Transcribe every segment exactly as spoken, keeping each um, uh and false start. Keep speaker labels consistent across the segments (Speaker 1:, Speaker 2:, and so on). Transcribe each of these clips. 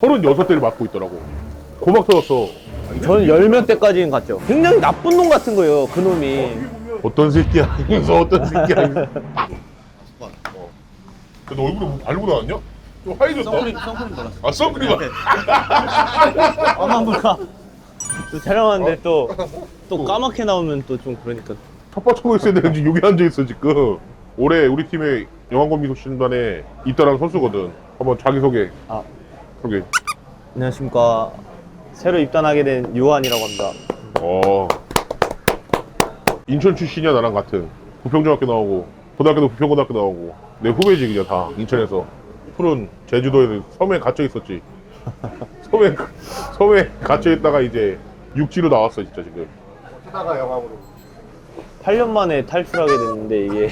Speaker 1: 서른여섯 대를 맡고 있더라고. 고막 터졌어.
Speaker 2: 저는 열 몇 대까지는 갔죠. 굉장히 나쁜 놈 같은 거예요, 그 놈이.
Speaker 1: 어떤 새끼야 하면서 어떤 새끼야 하면서. 어. 너 얼굴에 뭐 바르고 나왔냐? 좀 하얘졌다.
Speaker 3: 선크림 선크림 발랐어.
Speaker 1: 아 선크림.
Speaker 2: 엄마 몰라. 또 촬영하는데 또, 또 까맣게 나오면 또 좀 그러니까.
Speaker 1: 텃밭 쳐고 있어야 되는지 여기 앉아있어 지금. 올해 우리 팀의 영암권 미소신단에 있다라는 선수거든. 한번 자기소개.
Speaker 2: 아,
Speaker 1: 소개.
Speaker 2: 안녕하십니까. 새로 입단하게 된 요한이라고 합니다.
Speaker 1: 어. 인천 출신이야 나랑 같은. 부평중학교 나오고 고등학교도 부평고등학교 나오고 내 후배지 그냥 다 인천에서. 푸른 제주도에 섬에 갇혀 있었지. 섬에 섬에 갇혀 있다가 이제 육지로 나왔어 진짜 지금.
Speaker 3: 하다가 영암으로.
Speaker 2: 팔 년 만에 탈출하게 됐는데 이게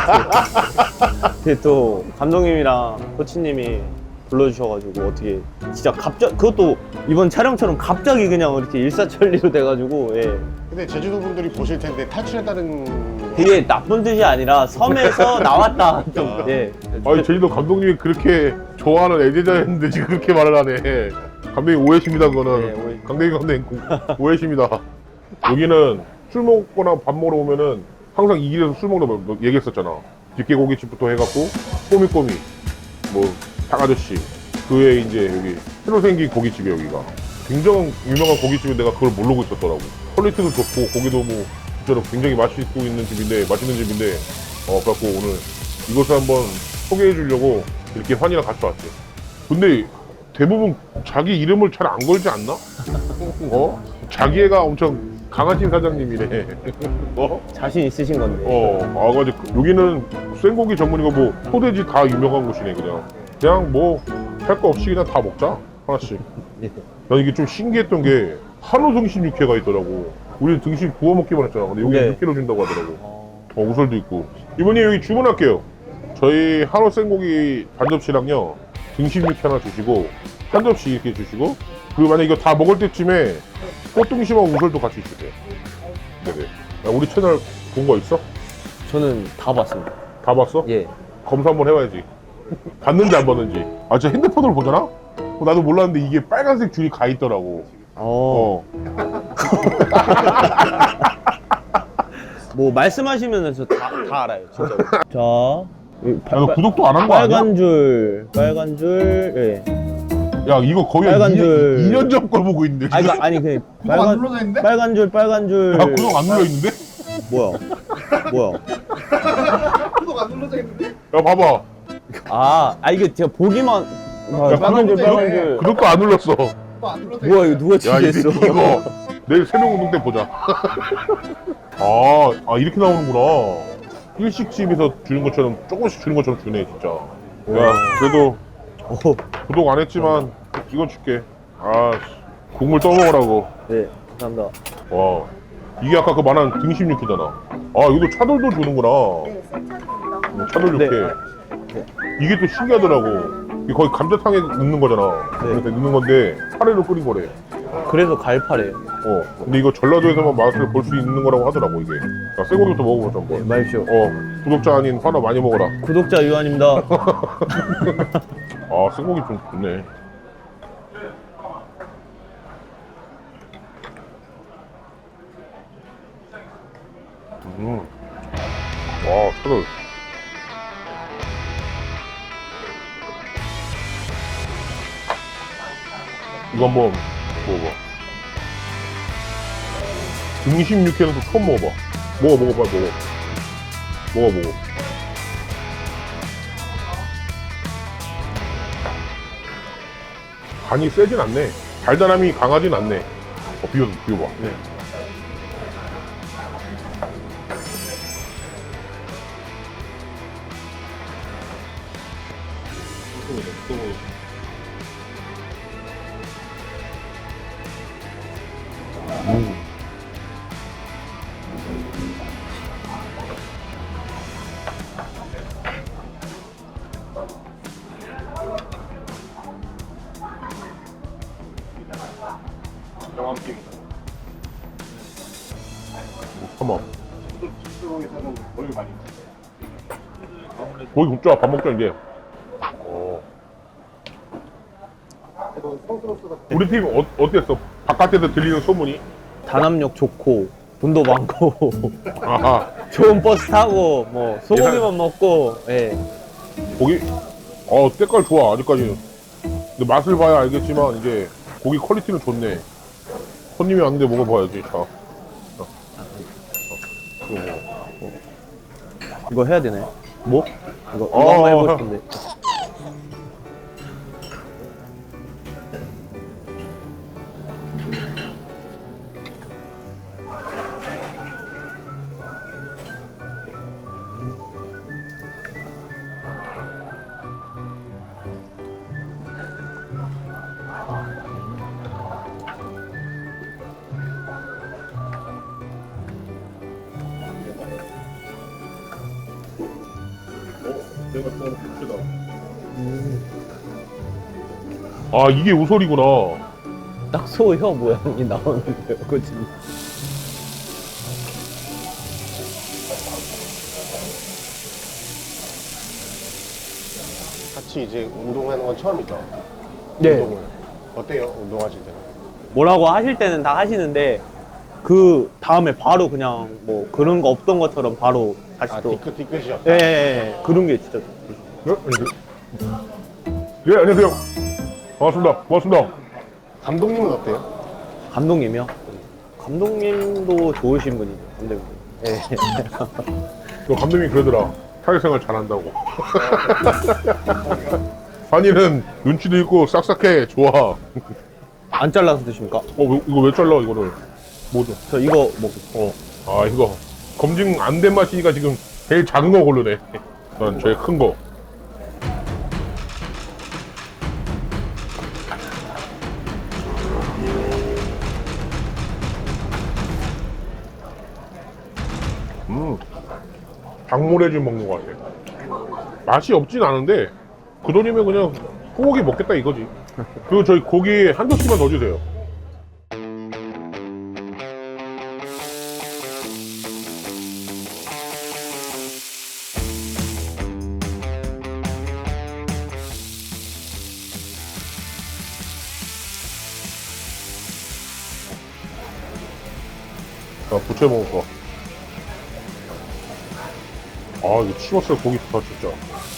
Speaker 2: 근데 또 감독님이랑 코치님이 불러주셔가지고 어떻게 진짜 갑자기 그것도 이번 촬영처럼 갑자기 그냥 이렇게 일사천리로 돼가지고 예.
Speaker 3: 근데 제주도 분들이 보실 텐데 탈출했다는
Speaker 2: 그게 나쁜 뜻이 아니라 섬에서 나왔다 좀 예.
Speaker 1: 아니 제주도 감독님이 그렇게 좋아하는 애제자였는데 지금 그렇게 말을 하네. 감독님 오해십니다 그거는.
Speaker 2: 네, 오해.
Speaker 1: 강대기 감독님 오해십니다. 여기는 술 먹거나 밥 먹으러 오면은 항상 이 길에서 술 먹는다고 뭐 얘기했었잖아. 집게고깃집부터 해갖고 꼬미꼬미 뭐 닭아저씨 그 외에 이제 여기 새로 생긴 고깃집이 여기가 굉장히 유명한 고깃집인데 내가 그걸 모르고 있었더라고. 퀄리티도 좋고 고기도 뭐 진짜로 굉장히 맛있고 있는 집인데 맛있는 집인데 어 그래갖고 오늘 이것을 한번 소개해 주려고 이렇게 환이랑 같이 왔지. 근데 대부분 자기 이름을 잘 안 걸지 않나? 어? 자기 애가 엄청 강한 팀 사장님이래. 어?
Speaker 2: 자신 있으신 건데
Speaker 1: 어, 아, 가지고 여기는 생고기 전문이고 뭐 소돼지 다 유명한 곳이네 그냥. 그냥 뭐 할 거 없이 그냥 다 먹자 하나씩.
Speaker 2: 예.
Speaker 1: 난 이게 좀 신기했던 게 한우 등심 육회가 있더라고. 우리 등심 구워 먹기만 했잖아. 근데 여기
Speaker 2: 네.
Speaker 1: 육회로 준다고 하더라고.
Speaker 2: 어,
Speaker 1: 어, 우설도 있고. 이분이 여기 주문할게요. 저희 한우 생고기 반 접시랑요 등심 육회 하나 주시고 한 접시 이렇게 주시고 그리고 만약 이거 다 먹을 때쯤에 꽃등심하고 우설도 같이 주세요. 네네. 야, 우리 채널 본 거 있어?
Speaker 2: 저는 다 봤습니다.
Speaker 1: 다 봤어?
Speaker 2: 예.
Speaker 1: 검사 한번 해봐야지. 봤는지 안 봤는지. 아, 진짜 핸드폰으로 보잖아? 어, 나도 몰랐는데 이게 빨간색 줄이 가 있더라고.
Speaker 2: 어.
Speaker 1: 어.
Speaker 2: 뭐 말씀하시면 저 다 다 알아요, 진짜로. 자, 이
Speaker 1: 야, 너 구독도 안 한 거 아니야?
Speaker 2: 빨간 줄, 빨간 줄, 예.
Speaker 1: 야, 이거 거의
Speaker 2: 빨간
Speaker 1: 이 년,
Speaker 2: 줄.
Speaker 1: 이 년 전 걸 보고 있는데.
Speaker 2: 아니,
Speaker 1: 지금?
Speaker 2: 그러니까, 아니 그
Speaker 3: 구독 안 눌러져 있는데?
Speaker 2: 빨간 줄, 빨간 줄.
Speaker 1: 야, 구독 안 눌러 있는데?
Speaker 2: 뭐야? 뭐야?
Speaker 3: 구독 안 눌러져 있는데?
Speaker 1: 야, 봐봐.
Speaker 2: 아, 아 이게 제가 보기만. 아,
Speaker 1: 야,
Speaker 2: 빨간 줄,
Speaker 1: 구독,
Speaker 2: 빨간 줄.
Speaker 1: 구독도 안 눌렀어.
Speaker 3: 구독 안 눌러져
Speaker 2: 뭐야 이거 누가
Speaker 1: 야, 이
Speaker 2: 지겠어?
Speaker 1: 새끼 이거 내일 새벽 운동 때 보자. 아, 아 이렇게 나오는구나. 일식집에서 주는 것처럼 조금씩 주는 것처럼 주네 진짜. 야, 그래도
Speaker 2: 오,
Speaker 1: 구독 안 했지만 이건 줄게. 아, 국물 떠먹으라고.
Speaker 2: 네, 감사합니다.
Speaker 1: 와, 이게 아까 그 말한 등심 육회잖아. 아, 이것도 차돌도 주는구나.
Speaker 4: 네, 센차입니다.
Speaker 1: 차돌
Speaker 2: 네.
Speaker 1: 육회. 이게 또 신기하더라고. 이게 거의 감자탕에 넣는 거잖아.
Speaker 2: 네.
Speaker 1: 이렇게 넣는 건데 카레로 끓인 거래.
Speaker 2: 그래서 갈파래요.
Speaker 1: 어. 근데 이거 전라도에서만 맛을 볼 수 있는 거라고 하더라고 이게. 자, 쇠고기부터 먹어보자
Speaker 2: 네,
Speaker 1: 한번.
Speaker 2: 마십시오.
Speaker 1: 어, 구독자 아닌 화나 많이 먹어라.
Speaker 2: 구독자 유한입니다.
Speaker 1: 아, 쇠고기 좀 좋네. 음. 와, 차돌. 이거 한번 먹어봐. 등심 육회는 또 처음 먹어봐. 먹어, 먹어, 빨리 먹어. 먹어, 먹어. 간이 세진 않네. 달달함이 강하진 않네. 어, 비워, 비워봐.
Speaker 2: 네.
Speaker 1: 음. 잠깐만. 거기 굽자. 밥 먹자 이제. 어. 우리 팀 어, 어땠어? 바깥에서 들리는 소문이?
Speaker 2: 단합력 좋고 돈도 많고
Speaker 1: 아하.
Speaker 2: 좋은 버스 타고 뭐 소고기만
Speaker 1: 예.
Speaker 2: 먹고 예.
Speaker 1: 고기, 어, 때깔 좋아, 아직까지는. 근데 맛을 봐야 알겠지만, 이제, 고기 퀄리티는 좋네. 손님이 왔는데 먹어봐야지, 자. 자. 어. 이거 뭐.
Speaker 2: 이거 해야 되네. 뭐? 이거 이거
Speaker 1: 어,
Speaker 2: 한번 해보고
Speaker 1: 어.
Speaker 2: 싶은데.
Speaker 1: 내가 좀 크다. 아, 이게 우설이구나.
Speaker 2: 딱 소 혀 모양이 나오는데요, 그치?
Speaker 3: 같이 이제 운동하는 건 처음이죠?
Speaker 2: 네.
Speaker 3: 운동을. 어때요? 운동하실 때는?
Speaker 2: 뭐라고 하실 때는 다 하시는데 그 다음에 바로 그냥 뭐 그런 거 없던 것처럼 바로 다시
Speaker 3: 아,
Speaker 2: 또.
Speaker 3: 뒤끝, 뒤끝이었다.
Speaker 2: 예, 예, 예. 그런 게 진짜.
Speaker 1: 네, 예, 안녕하세요. 반갑습니다. 고맙습니다.
Speaker 3: 감독님은 어때요?
Speaker 2: 감독님이요? 감독님도 좋으신 분이죠, 감독님. 예.
Speaker 1: 너 감독님이 그러더라. 사회생활 잘한다고. 환희는 눈치도 있고 싹싹해. 좋아. 어,
Speaker 2: 안 잘라서 드십니까?
Speaker 1: 왜- 이거 왜 잘라, 이거를. 뭐죠?
Speaker 2: 저 이거 먹고.
Speaker 1: 어. 아, 이거. 검증 안 된 맛이니까 지금 제일 작은 거 고르네. 난 제일 큰 거. 음. 닭모래즙 먹는 것 같아. 맛이 없진 않은데, 그 돈이면 그냥 소고기 먹겠다 이거지. 그리고 저희 고기 한 접시만 더 주세요. 자, 부채 먹을 거. 아, 이거 치맛살 고기 좋다, 진짜.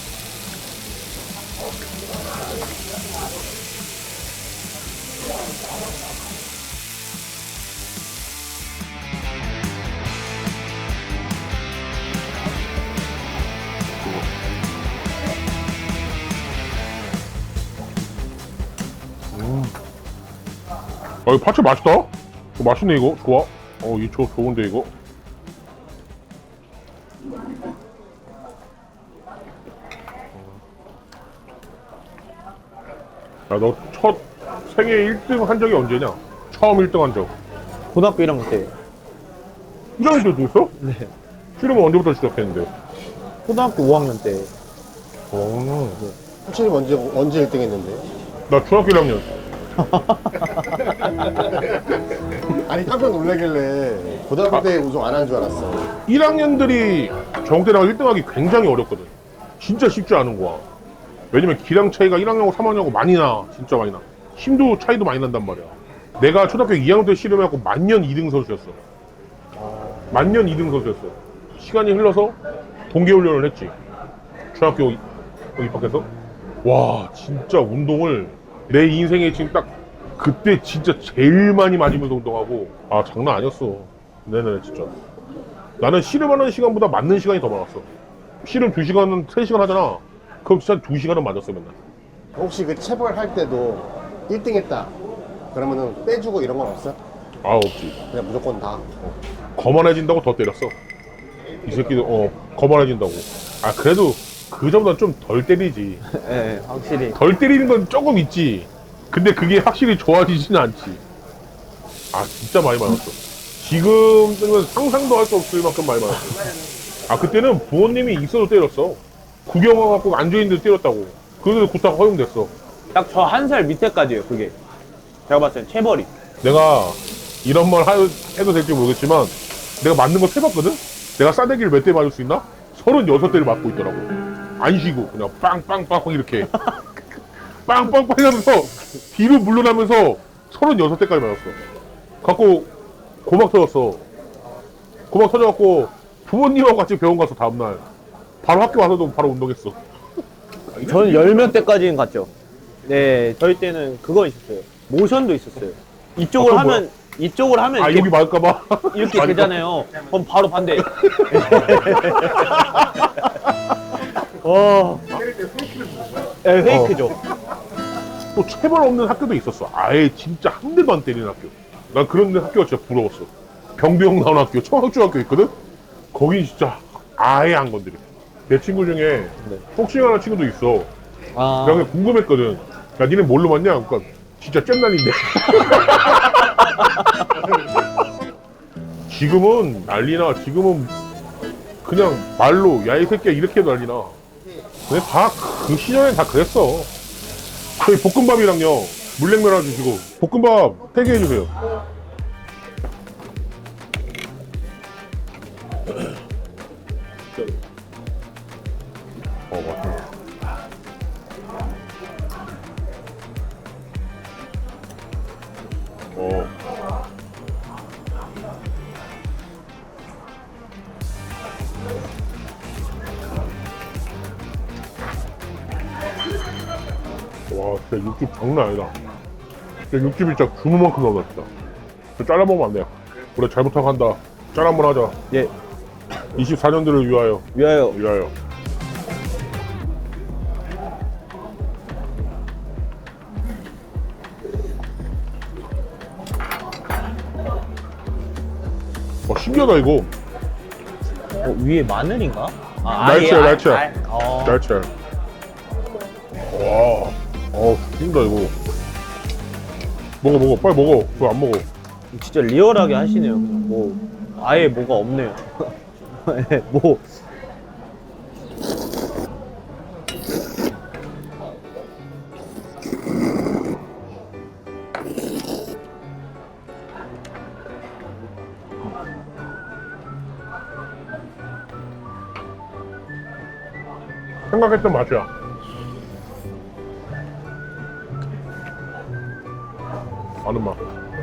Speaker 1: 음. 아, 이거 파채 맛있다? 이거 맛있네, 이거. 좋아. 어, 이 초 좋은데, 이거. 야, 너 첫 생애 일 등 한 적이 언제냐? 처음 일 등 한 적.
Speaker 2: 고등학교 일 학년 때.
Speaker 1: 일 학년 때도 있어?
Speaker 2: 네.
Speaker 1: 씨름은 언제부터 시작했는데?
Speaker 2: 초등학교 오 학년 때.
Speaker 1: 어,
Speaker 3: 코치님 언제, 언제 일 등 했는데?
Speaker 1: 나 중학교 일 학년.
Speaker 3: 아니, 깜짝 놀라길래 고등학교 때 우승 안 한 줄 알았어.
Speaker 1: 일 학년들이 정대랑 일 등 하기 굉장히 어렵거든. 진짜 쉽지 않은 거야. 왜냐면 기량 차이가 일 학년하고 삼 학년하고 많이 나. 진짜 많이 나. 힘도 차이도 많이 난단 말이야. 내가 초등학교 이 학년 때 씨름해갖고 만년 이 등 선수였어. 만년 이 등 선수였어. 시간이 흘러서 동계훈련을 했지. 중학교 이- 입학해서. 와, 진짜 운동을 내 인생에 지금 딱 그때 진짜 제일 많이 맞으면서 운동하고, 아, 장난 아니었어. 네네, 진짜. 나는 씨름하는 시간보다 맞는 시간이 더 많았어. 씨름 두 시간은 세 시간 하잖아. 그럼 진짜 두 시간은 맞았어, 맨날.
Speaker 3: 혹시 그 체벌 할 때도 일 등 했다. 그러면은 빼주고 이런 건 없어?
Speaker 1: 아, 없지.
Speaker 3: 그냥 무조건 다.
Speaker 1: 거만해진다고 더 때렸어. 이 새끼들, 어, 거만해진다고. 아, 그래도 그 정도는 좀 덜 때리지.
Speaker 2: 예, 확실히.
Speaker 1: 덜 때리는 건 조금 있지. 근데 그게 확실히 좋아지지는 않지. 아, 진짜 많이 맞았어. 지금은 상상도 할 수 없을 만큼 많이 맞았어. 아, 그때는 부모님이 있어도 때렸어. 구경 와갖고 앉아있는데 때렸다고. 그래서 구타가 허용됐어.
Speaker 2: 딱 저 한 살 밑에까지예요, 그게. 제가 봤을 땐 체벌이.
Speaker 1: 내가 이런 말 하- 해도 될지 모르겠지만, 내가 맞는 거 세봤거든? 내가 싸대기를 몇 대 맞을 수 있나? 서른여섯 대를 맞고 있더라고. 안 쉬고, 그냥 빵빵빵빵 이렇게. 빵빵빵 하면서 뒤로 물러나면서 서른여섯 대까지 맞았어. 갖고 고막 터졌어. 고막 터져갖고 부모님하고 같이 병원 가서 다음날 바로 학교 와서도 바로 운동했어.
Speaker 2: 저는 열 몇 대까지는 갔죠. 네, 저희 때는 그거 있었어요. 모션도 있었어요. 이쪽을
Speaker 1: 아, 그건
Speaker 2: 하면 이쪽을 하면
Speaker 1: 아
Speaker 2: 이렇게,
Speaker 1: 여기 맞을까봐.
Speaker 2: 이렇게
Speaker 1: 맞을까?
Speaker 2: 되잖아요. 그럼 바로 반대. 와. 네, 페이크죠.
Speaker 1: 또 체벌 없는 학교도 있었어. 아예 진짜 한 대도 안 때리는 학교. 난 그런 학교가 진짜 부러웠어. 병대형 나온 학교, 청학중학교 있거든? 거기 진짜 아예 안 건드려. 내 친구 중에
Speaker 2: 네.
Speaker 1: 복싱하는 친구도 있어.
Speaker 2: 아.
Speaker 1: 내가 그냥 궁금했거든. 야, 니네 뭘로 맞냐? 그러니까 진짜 잼난인데. 지금은 난리나. 지금은 그냥 말로 야 이 새끼야 이렇게 해도 난리나. 근데 다 그 시절엔 다 그랬어. 저희 볶음밥이랑요 물냉면 하나 주시고 볶음밥 세 개 해주세요. 어 맞다. 어. 와, 진짜 육즙 장난 아니다. 진짜 육즙이 진짜 주문만큼 나온다, 진짜. 저 잘라 먹으면 안 돼요. 그래, 잘 부탁한다. 짤 한번 하자.
Speaker 2: 예.
Speaker 1: 이십사 년들을 위하여.
Speaker 2: 위하여.
Speaker 1: 위하여. 어, 신기하다, 이거.
Speaker 2: 어, 위에 마늘인가? 아,
Speaker 1: 날치알,
Speaker 2: 아예,
Speaker 1: 날치알.
Speaker 2: 아, 아, 어.
Speaker 1: 날치알. 와, 어, 죽인다, 이거. 먹어, 먹어. 빨리 먹어. 그거 안 먹어.
Speaker 2: 진짜 리얼하게 하시네요. 그냥 뭐 아예 뭐가 없네요. 예, 뭐
Speaker 1: 생각했던 맛이야. 아는 맛.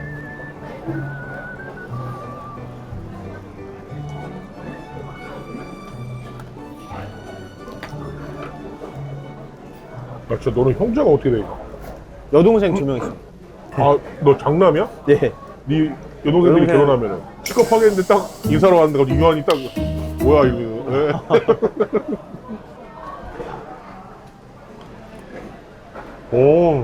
Speaker 1: 아, 진짜 너는 형제가 어떻게 돼?
Speaker 2: 여동생 두 명 있어요.
Speaker 1: 아, 너 장남이야?
Speaker 2: 네.
Speaker 1: 네 여동생들이
Speaker 2: 여동생.
Speaker 1: 결혼하면은 취급하겠는데 딱 인사로 왔는데 갑자기 유한이 딱 뭐야 이거. 예. 오.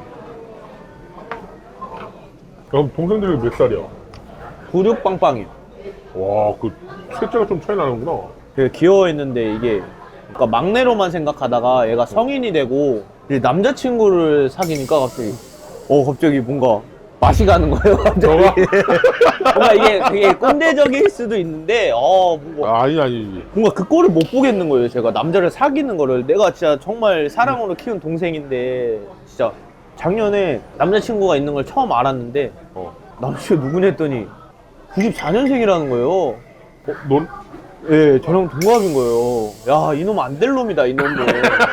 Speaker 1: 그럼 동생들이 몇 살이야?
Speaker 2: 구륙빵빵이요.
Speaker 1: 와, 그 셋째가 좀 차이 나는구나.
Speaker 2: 되게 귀여워했는데 이게 그러니까 막내로만 생각하다가 얘가 성인이 되고 이제 남자친구를 사귀니까 갑자기 어 갑자기 뭔가 맛이 가는 거예요. 갑자기.
Speaker 1: 너가?
Speaker 2: 뭔가 이게 그게 꼰대적일 수도 있는데 어 뭔가,
Speaker 1: 아, 아니 아니지.
Speaker 2: 뭔가 그 꼴을 못 보겠는 거예요. 제가 남자를 사귀는 거를 내가 진짜 정말 사랑으로 키운 동생인데 진짜 작년에 남자친구가 있는 걸 처음 알았는데
Speaker 1: 어.
Speaker 2: 남자친구 누구냐 했더니 구십사 년생이라는 거예요.
Speaker 1: 어, 넌?
Speaker 2: 예, 저랑 동갑인 거예요. 야, 이놈 안 될 놈이다, 이놈은.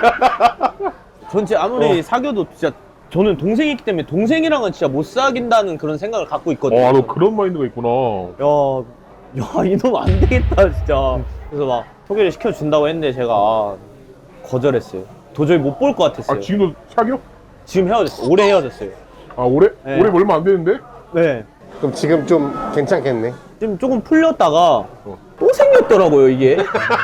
Speaker 2: 전 진짜 아무리
Speaker 1: 어.
Speaker 2: 사귀어도 진짜 저는 동생이기 때문에 동생이랑은 진짜 못 사귄다는 그런 생각을 갖고 있거든요.
Speaker 1: 아, 너 그런 마인드가 있구나.
Speaker 2: 야, 야, 이놈 안 되겠다, 진짜. 그래서 막 소개를 시켜준다고 했는데 제가 거절했어요. 도저히 못 볼 것 같았어요.
Speaker 1: 아, 지금도 사겨?
Speaker 2: 지금 헤어졌어요. 올해 헤어졌어요.
Speaker 1: 아, 올해?
Speaker 2: 네.
Speaker 1: 올해 얼마 안 되는데?
Speaker 2: 네.
Speaker 3: 그럼 지금 좀 괜찮겠네.
Speaker 2: 지금 조금 풀렸다가
Speaker 1: 어.
Speaker 2: 또 생겼더라고요, 이게.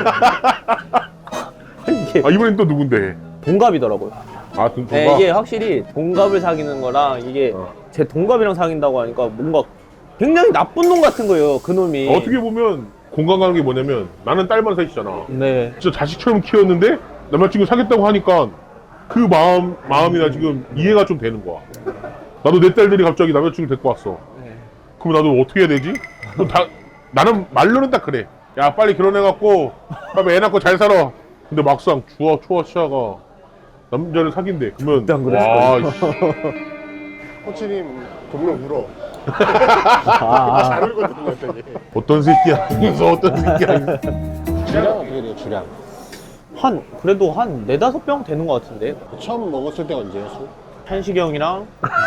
Speaker 2: 이게
Speaker 1: 아, 이번엔 또 누군데?
Speaker 2: 동갑이더라고요.
Speaker 1: 아, 등
Speaker 2: 네, 이게 확실히 동갑을 사귀는 거랑 이게
Speaker 1: 어.
Speaker 2: 제 동갑이랑 사귄다고 하니까 뭔가 굉장히 나쁜 놈 같은 거예요, 그 놈이.
Speaker 1: 어떻게 보면 공감 가는 게 뭐냐면 나는 딸만 셋이잖아.
Speaker 2: 네.
Speaker 1: 진짜 자식처럼 키웠는데 남자친구 사귀었다고 하니까 그 마음, 마음이나 지금 이해가 좀 되는 거야. 나도 내 딸들이 갑자기 남자친구 데리고 왔어.
Speaker 2: 네.
Speaker 1: 그럼 나도 어떻게 해야 되지? 그럼 다, 나는 말로는 딱 그래. 야, 빨리 결혼해갖고 빨리 애 낳고 잘 살아. 근데 막상 주아, 초아, 치아가 남자를 사귄대. 그러면
Speaker 2: 일단 그랬을
Speaker 1: 와,
Speaker 2: 거예요.
Speaker 1: 씨.
Speaker 3: 코치님 동료 울어.
Speaker 2: 아,
Speaker 3: 잘 울거든요, 되게.
Speaker 1: 어떤 새끼야. 그래서 어떤 새끼야.
Speaker 3: 주량 어떻게 돼요, 주량?
Speaker 2: 한 그래도 한 네다섯 병 되는 것 같은데.
Speaker 3: 처음 먹었을 때가 언제야, 술?
Speaker 2: 한식이 형이랑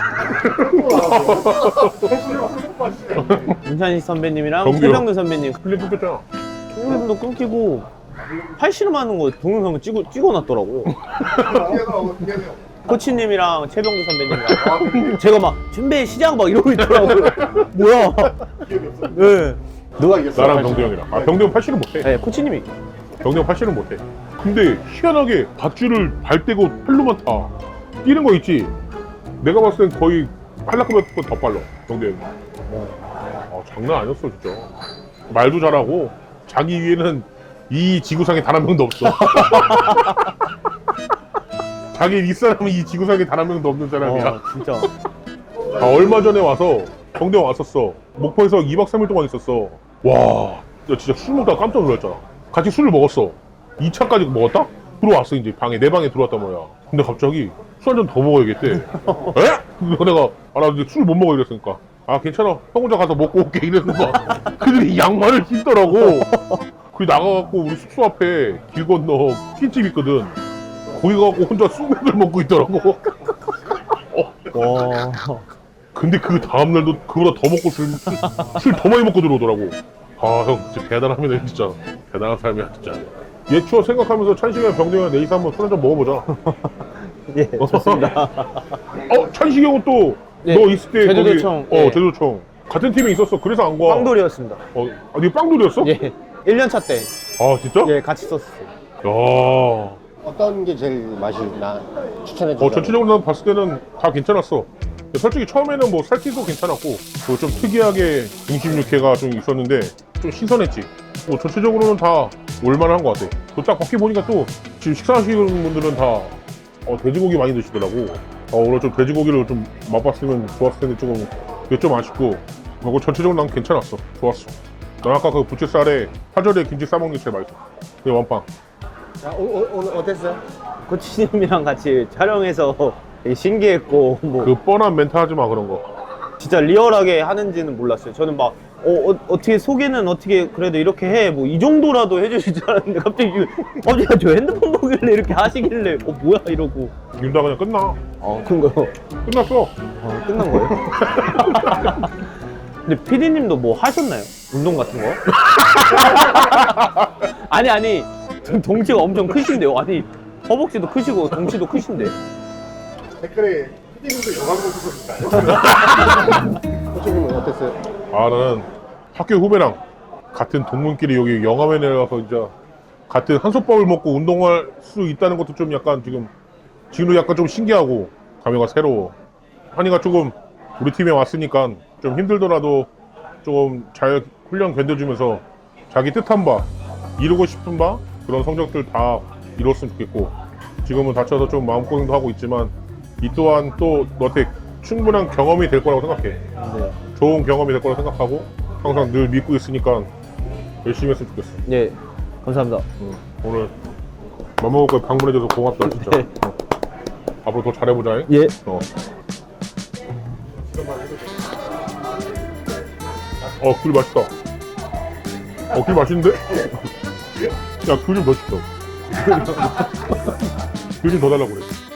Speaker 2: 윤찬희 선배님이랑
Speaker 1: 경규.
Speaker 2: 최병근 선배님
Speaker 1: 플립 뽑혔잖아.
Speaker 2: 동영상도 끊기고 팔씨름하는 거 동영상 찍어, 찍어놨더라고요. 코치님이랑 최병근 선배님이랑 제가 막 준비 시작 막 이러고 있더라고요. 뭐야? 네.
Speaker 3: 누가 이겼어?
Speaker 1: 나랑 병대 형이랑. 아, 병대 형 팔씨름 못해.
Speaker 2: 네, 코치님이
Speaker 1: 병대 형 팔씨름 못해. 근데 희한하게 밧줄을 발 떼고 팔로만 타. 뛰는 거 있지? 내가 봤을 땐 거의 팔라크보다 더 빨라, 병대 형이. 아, 장난 아니었어, 진짜. 말도 잘하고, 자기 위에는 이 지구상에 단 한 명도 없어. 자기 윗사람은 이 지구상에 단 한 명도 없는 사람이야.
Speaker 2: 어, 진짜
Speaker 1: 아, 얼마 전에 와서 병대 왔었어. 목포에서 이 박 삼 일 동안 있었어. 와, 야, 진짜 술 먹다가 깜짝 놀랐잖아. 같이 술을 먹었어. 이 차까지 먹었다? 들어왔어, 이제 방에. 내 방에 들어왔단 말이야. 근데 갑자기 술 한 잔 더 먹어야겠대. 에? 그래서 내가, 아, 나 이제 술 못 먹어 이랬으니까. 아, 괜찮아. 형 혼자 가서 먹고 올게. 이랬는 거야. 그들이 양말을 신더라고. 그 나가갖고 우리 숙소 앞에 길 건너 킨집 있거든. 거기 가갖고 혼자 수맥을 먹고 있더라고.
Speaker 2: 와
Speaker 1: 근데 그 다음날도 그보다 더 먹고 술, 술 더 많이 먹고 들어오더라고. 아, 형, 진짜 대단합니다, 진짜. 대단한 사람이야, 진짜. 옛 추억 생각하면서 찬식이랑 병대가 내일서 한번 술 한잔 먹어보자.
Speaker 2: 예, 좋습니다.
Speaker 1: 어, 찬식이 형은 또,
Speaker 2: 예,
Speaker 1: 너 있을 때.
Speaker 2: 제주도청,
Speaker 1: 거기, 어,
Speaker 2: 예.
Speaker 1: 제주도청. 같은 팀에 있었어. 그래서 안 가.
Speaker 2: 빵돌이었습니다.
Speaker 1: 어, 아, 니 빵돌이었어?
Speaker 2: 예, 일 년 차 때
Speaker 1: 아, 진짜?
Speaker 2: 예, 같이 썼어요.
Speaker 1: 야.
Speaker 3: 어떤 게 제일 맛이 나 추천해 주자.
Speaker 1: 어, 전체적으로 난 봤을 때는 다 괜찮았어. 솔직히 처음에는 뭐 살티도 괜찮았고, 뭐 좀 특이하게 등심 육회가 좀 있었는데, 좀 신선했지. 뭐 전체적으로는 다 올만한 것 같아. 또 딱 밖에 보니까 또, 지금 식사하시는 분들은 다, 어, 돼지고기 많이 드시더라고. 어, 오늘 좀 돼지고기를 좀 맛봤으면 좋았을 텐데 조금, 이게 좀 아쉽고, 그리고 전체적으로 난 괜찮았어. 좋았어. 난 아까 그 부채살에 파절에 김치 싸먹는 게 제일 맛있어. 이 원빵.
Speaker 3: 자, 오, 오, 오늘 어땠어요?
Speaker 2: 코치님이랑 같이 촬영해서 되게 신기했고 뭐
Speaker 1: 그 뻔한 멘트 하지 마, 그런 거.
Speaker 2: 진짜 리얼하게 하는지는 몰랐어요. 저는 막 어, 어, 어떻게 소개는 어떻게 그래도 이렇게 해 뭐 이 정도라도 해주실 줄 알았는데 갑자기 어제 저 핸드폰 보길래 이렇게 하시길래 어 뭐야 이러고
Speaker 1: 윤다 그냥 끝나.
Speaker 2: 어 그런가요?
Speaker 1: 끝났어.
Speaker 2: 어, 끝난 거예요? 근데 피디님도 뭐 하셨나요? 운동 같은 거? 아니 아니 등- 덩치가 엄청 크신데요. 아니 허벅지도 크시고 덩치도 크신데.
Speaker 3: 댓글에 피디님도 영광 보셨을까요? 코치님은 어땠어요?
Speaker 1: 아, 나는 학교 후배랑 같은 동문끼리 여기 영암에 내려가서 이제 같은 한솥밥을 먹고 운동할 수 있다는 것도 좀 약간 지금 지금도 약간 좀 신기하고 감회가 새로워. 한이가 조금 우리 팀에 왔으니까 좀 힘들더라도 좀 잘 훈련 견뎌주면서 자기 뜻한 바, 이루고 싶은 바 그런 성적들 다 이뤘으면 좋겠고, 지금은 다쳐서 좀 마음고생도 하고 있지만 이 또한 또 너한테 충분한 경험이 될 거라고 생각해.
Speaker 2: 네.
Speaker 1: 좋은 경험이 될 거라고 생각하고 항상 늘 믿고 있으니까 열심히 했으면 좋겠어.
Speaker 2: 예, 감사합니다.
Speaker 1: 오늘 맘먹을 거 방문해줘서 고맙다, 진짜.
Speaker 2: 네.
Speaker 1: 어. 앞으로 더 잘해보자. 잉?
Speaker 2: 예.
Speaker 1: 어. 어, 귤 맛있다. 어, 귤 맛있는데? 야, 귤 좀 더 시켜. 귤 좀 더 달라고 그래.